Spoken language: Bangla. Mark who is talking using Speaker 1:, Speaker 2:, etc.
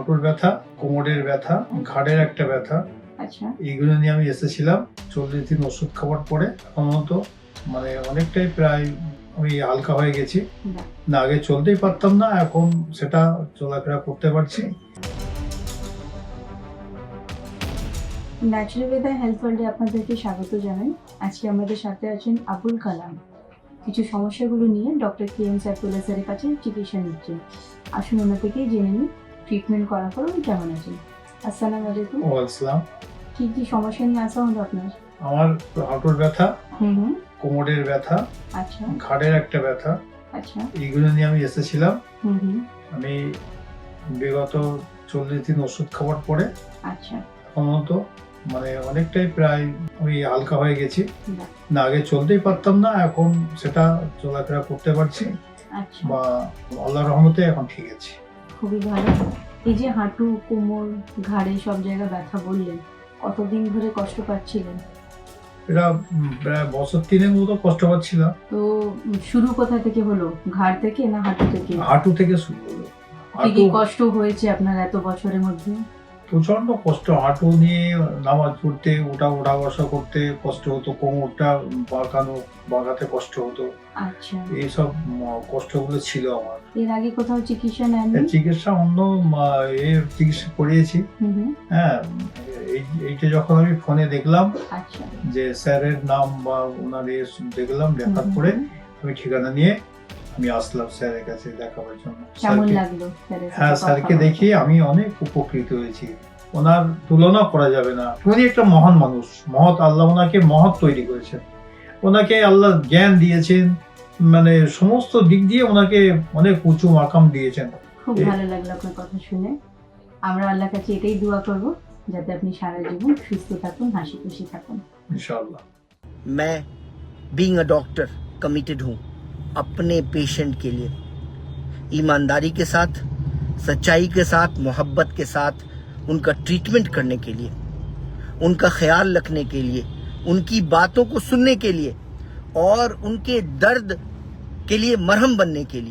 Speaker 1: হাঁটুর ব্যথা, কোমরের ব্যথা, ঘাড়ের একটা ব্যথা,
Speaker 2: আচ্ছা
Speaker 1: এইগুলো নিয়ে আমি এসেছিলাম। 40 দিন ওষুধ খাওয়ার পরে এখন মতো মানে অনেকটাই প্রায় আমি হালকা হয়ে গেছি।
Speaker 2: বাহ।
Speaker 1: না আগে চলতেই পারতাম না, এখন সেটা চলাফেরা করতে পারছি।
Speaker 2: ন্যাচুরালওয়েদার হেলথ ওয়ার্ল্ডে আপনাদেরকে স্বাগত জানাই। আজকে আমাদের সাথে আছেন আবুল কালাম। কিছু সমস্যাগুলো নিয়ে ডক্টর KM সাইফুল্লাহ স্যারের কাছে চিকিৎসা নিচ্ছেন। আসুন ওনা থেকেই জেনে নিই ট্রিটমেন্ট করার পর উনি কেমন আছেন। আসসালামু আলাইকুম।
Speaker 1: ওয়ালাইকুম।
Speaker 2: কি কি সমস্যা নিয়ে আসা হলো আপনার?
Speaker 1: আমার হাঁটুর ব্যথা,
Speaker 2: হুম,
Speaker 1: কোমরের ব্যথা,
Speaker 2: আচ্ছা
Speaker 1: ঘাড়ের একটা ব্যথা,
Speaker 2: আচ্ছা
Speaker 1: এইগুলো নিয়ে আমি এসেছিলাম।
Speaker 2: হুম,
Speaker 1: আমি বিগত 40 দিন ওষুধ খাওয়ার পরে
Speaker 2: আচ্ছা
Speaker 1: এখন মতো মানে অনেকটাই প্রায় আমি হালকা হয়ে গেছি।
Speaker 2: বাহ।
Speaker 1: না আগে চলতেই পারতাম না, এখন সেটা চলাফেরা করতে পারছি
Speaker 2: আচ্ছা
Speaker 1: বা আল্লাহর রহমতে এখন ঠিক আছে।
Speaker 2: খুবই ভালো। এই যে হাঁটু, কোমর, ঘাড়ে সব জায়গায় ব্যথা বললেন, কতদিন ধরে কষ্ট পাচ্ছিলেন?
Speaker 1: এটা প্রায় বছর 3 মতো কষ্ট পাচ্ছিলাম।
Speaker 2: তো শুরু কোথা থেকে হলো? ঘাড় থেকে না হাঁটু থেকে?
Speaker 1: হাঁটু থেকে শুরু হলো।
Speaker 2: কি কি
Speaker 1: হাঁটু
Speaker 2: কষ্ট হয়েছে আপনার এত বছরের মধ্যে?
Speaker 1: প্রচন্ড কষ্ট, হাঁটু নিয়ে নামাজ পড়তে ওঠা বসা করতে কষ্ট হতো, কোমরটা বাঁকাতে কষ্ট হতো।
Speaker 2: আচ্ছা,
Speaker 1: এইসব কষ্টগুলো ছিল আমার।
Speaker 2: এর আগে কোথাও চিকিৎসা নেননি?
Speaker 1: এর চিকিৎসা অন্য চিকিৎসা করিয়েছি।
Speaker 2: হুম হুম,
Speaker 1: হ্যাঁ, এইটা যখন আমি ফোনে দেখলাম
Speaker 2: আচ্ছা
Speaker 1: যে স্যারের নাম বা ওনার দেখলাম, দেখার
Speaker 2: হুম,
Speaker 1: পরে
Speaker 2: হুম।
Speaker 1: আমি ঠিকানা নিয়ে আমি আসলাম স্যারের কাছে দেখাবার জন্য।
Speaker 2: কেমন
Speaker 1: স্যারকে-
Speaker 2: লাগলো স্যারের সাথে
Speaker 1: হ্যাঁ,
Speaker 2: কথা
Speaker 1: স্যারকে
Speaker 2: বলে?
Speaker 1: দেখে আমি অনেক উপকৃত হয়েছি। ওনার তুলনা করা যাবে না। উনি একটা মহান মানুষ, মহৎ আল্লাহ ওনাকে মহৎ তৈরি করেছেন। ওনাকে আল্লাহ জ্ঞান দিয়েছেন, মানে সমস্ত দিক দিয়ে ওনাকে অনেক উঁচু মাকাম দিয়েছেন।
Speaker 2: খুব ভালো লাগলো আপনার কথা শুনে। আমরা আল্লাহর কাছে এটাই দোয়া করব যাতে আপনি সারা জীবন সুস্থ থাকুন, হাসি খুশি থাকুন।
Speaker 1: ইনশাআল্লাহ।
Speaker 3: मैं बीइंग अ डॉक्टर कमिटेड हूँ अपने पेशेंट के लिए, ईमानदारी के साथ, सच्चाई के साथ, मोहब्बत के साथ उनका ट्रीटमेंट करने के लिए, उनका ख्याल रखने के लिए, उनकी बातों को सुनने के लिए और उनके दर्द के लिए मरहम बनने के लिए।